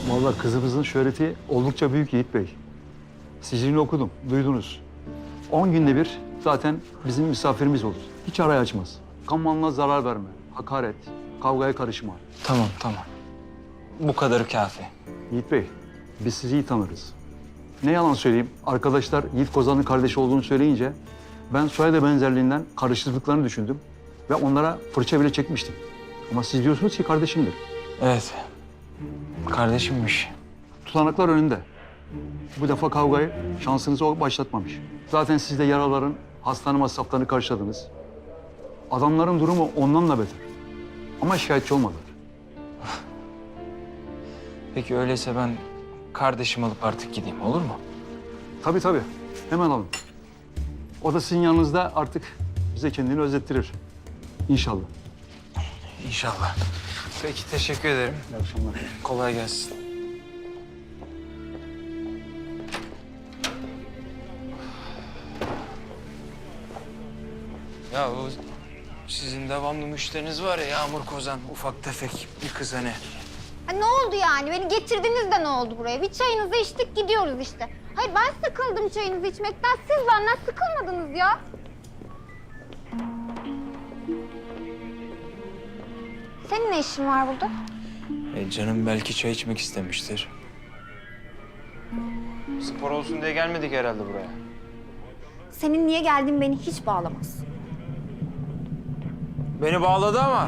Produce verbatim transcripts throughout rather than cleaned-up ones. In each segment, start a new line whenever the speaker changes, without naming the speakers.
Vallahi kızımızın şöhreti oldukça büyük Yiğit Bey. Sicilini okudum, duydunuz. On günde bir zaten bizim misafirimiz olur. Hiç arayı açmaz. Kan malına zarar verme, hakaret, kavgaya karışma.
Tamam, tamam. Bu kadarı kafi.
Yiğit Bey, biz sizi iyi tanırız. Ne yalan söyleyeyim, arkadaşlar Yiğit Kozan'ın kardeşi olduğunu söyleyince ben soyadı benzerliğinden karıştırdıklarını düşündüm ve onlara fırça bile çekmiştim. Ama siz diyorsunuz ki kardeşimdir.
Evet. Kardeşimmiş.
Tutanaklar önünde. Bu defa kavgayı şansınızı o başlatmamış. Zaten siz de yaraların hastane masraflarını karşıladınız. Adamların durumu ondan da beter. Ama şikayetçi olmadılar.
Peki öyleyse ben kardeşimi alıp artık gideyim, olur mu?
Tabii tabii. Hemen alın. O da sizin yanınızda artık bize kendini özettirir. İnşallah.
İnşallah. Peki, teşekkür ederim.
İyi akşamlar.
Kolay gelsin. Ya o sizin devamlı müşteriniz var ya, Yağmur Kozan, ufak tefek bir kız hani.
Ha, ne oldu yani? Beni getirdiniz de ne oldu buraya? Bir çayınızı içtik gidiyoruz işte. Hayır ben sıkıldım çayınızı içmekten. Siz benden sıkılmadınız ya. Senin ne işin var burada?
E, canım belki çay içmek istemiştir. Spor olsun diye gelmedik herhalde buraya.
Senin niye geldiğin beni hiç bağlamaz.
Beni bağladı ama.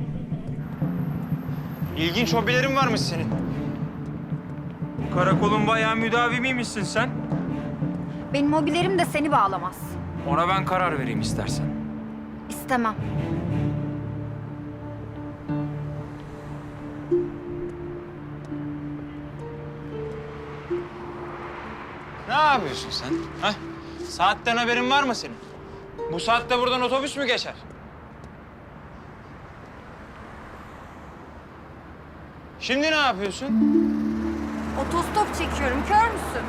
İlginç hobilerin varmış senin. Karakolun bayağı müdavimiymişsin sen.
Benim hobilerim de seni bağlamaz.
Ona ben karar vereyim istersen.
İstemem.
Ne yapıyorsun sen? Ha? Saatten haberin var mı senin? Bu saatte buradan otobüs mü geçer? Şimdi ne yapıyorsun?
Otostop çekiyorum. Kör müsün?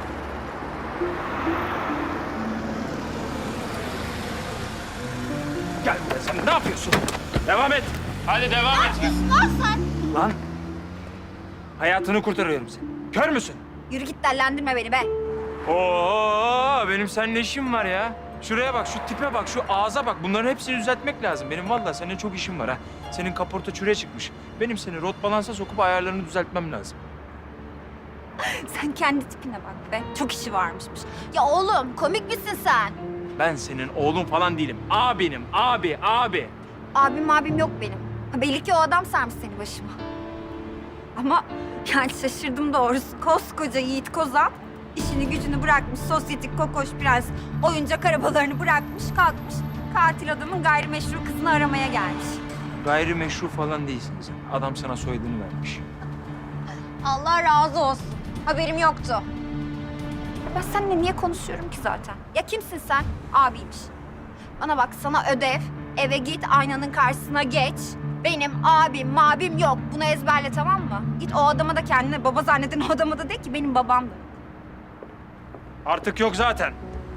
Gel buraya, sen ne yapıyorsun? Devam et. Hadi devam et.
Lan sen!
Lan. Hayatını kurtarıyorum seni. Kör müsün?
Yürü git dellendirme beni be.
Oo, benim seninle işim var ya. Şuraya bak, şu tipe bak, şu ağza bak. Bunların hepsini düzeltmek lazım. Benim vallahi seninle çok işim var ha. Senin kaporta çürüye çıkmış. Benim seni rot balansa sokup ayarlarını düzeltmem lazım.
Sen kendi tipine bak be. Çok işi varmışmış. Ya oğlum komik misin sen?
Ben senin oğlun falan değilim. Abinim, abi, abi.
Abim abim yok benim. Ha, belli ki o adam sarmış seni başıma. Ama yani şaşırdım doğrusu. Koskoca Yiğit Kozan işini gücünü bırakmış, sosyetik kokoş prens oyuncak arabalarını bırakmış, kalkmış. Katil adamın gayrimeşru kızını aramaya gelmiş.
Gayrimeşru falan değilsin sen. Adam sana soyadını vermiş.
Allah razı olsun. Haberim yoktu. Ben seninle niye konuşuyorum ki zaten? Ya kimsin sen? Abiymiş. Bana bak sana ödev. Eve git aynanın karşısına geç. Benim abim mabim yok. Bunu ezberle tamam mı? Git o adama da kendine baba zanneden o adama da de ki benim babamdı.
Artık yok zaten.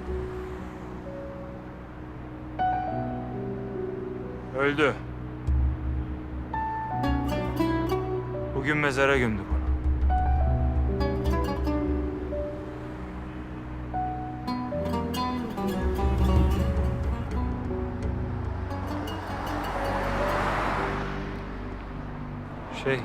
Öldü. Bugün mezara gömdük onu. Şey...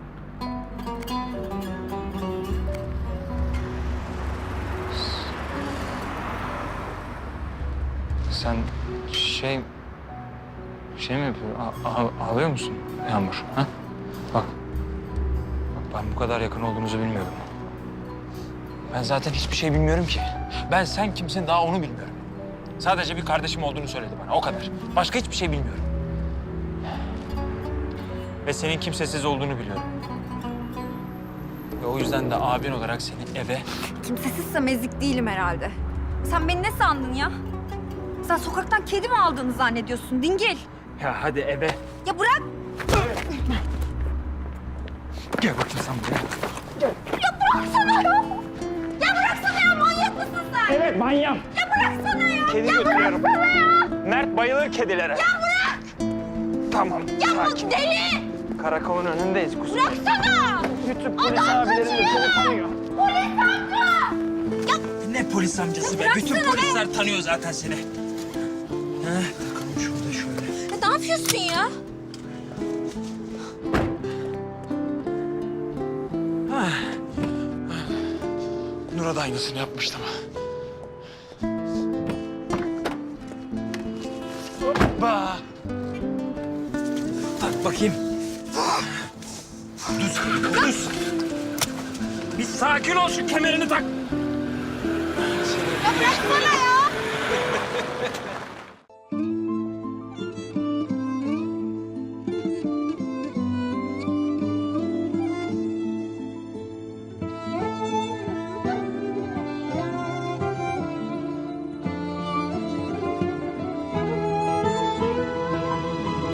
Sen şey... Şey mi yapıyorsun? A- a- ağlıyor musun Yağmur? Ha? Bak. Bak ben bu kadar yakın olduğunuzu bilmiyordum. Ben zaten hiçbir şey bilmiyorum ki. Ben sen kimsin daha onu bilmiyorum. Sadece bir kardeşim olduğunu söyledi bana, o kadar. Başka hiçbir şey bilmiyorum. Ve senin kimsesiz olduğunu biliyorum. Ve o yüzden de abin olarak seni eve...
Kimsesizsem ezik değilim herhalde. Sen beni ne sandın ya? Sen sokaktan kedi mi aldığını zannediyorsun dingil?
Ya hadi eve.
Ya bırak!
Gel bakayım sen buraya.
Ya bıraksana ya! Ya bıraksana ya manyak mısın sen?
Evet manyağım.
Ya bıraksana ya!
Kedi
ya
götürüyorum.
bıraksana ya!
Mert bayılır kedilere.
Ya bırak!
Tamam,
Ya bu
sakin.
deli!
Karakolun önündeyiz kuzum.
Bıraksana!
Bütün polis abilerin de seni tanıyor.
Ne polis amcası be? Bütün polisler tanıyor zaten seni. Heh, takalım şurada şöyle.
Ya ne yapıyorsun ya?
Nur'a da aynısını yapmıştım. Hoppa! Tak bakayım. Düz, düz. Bir sakin ol, şu kemerini tak.
Ya bıraksana.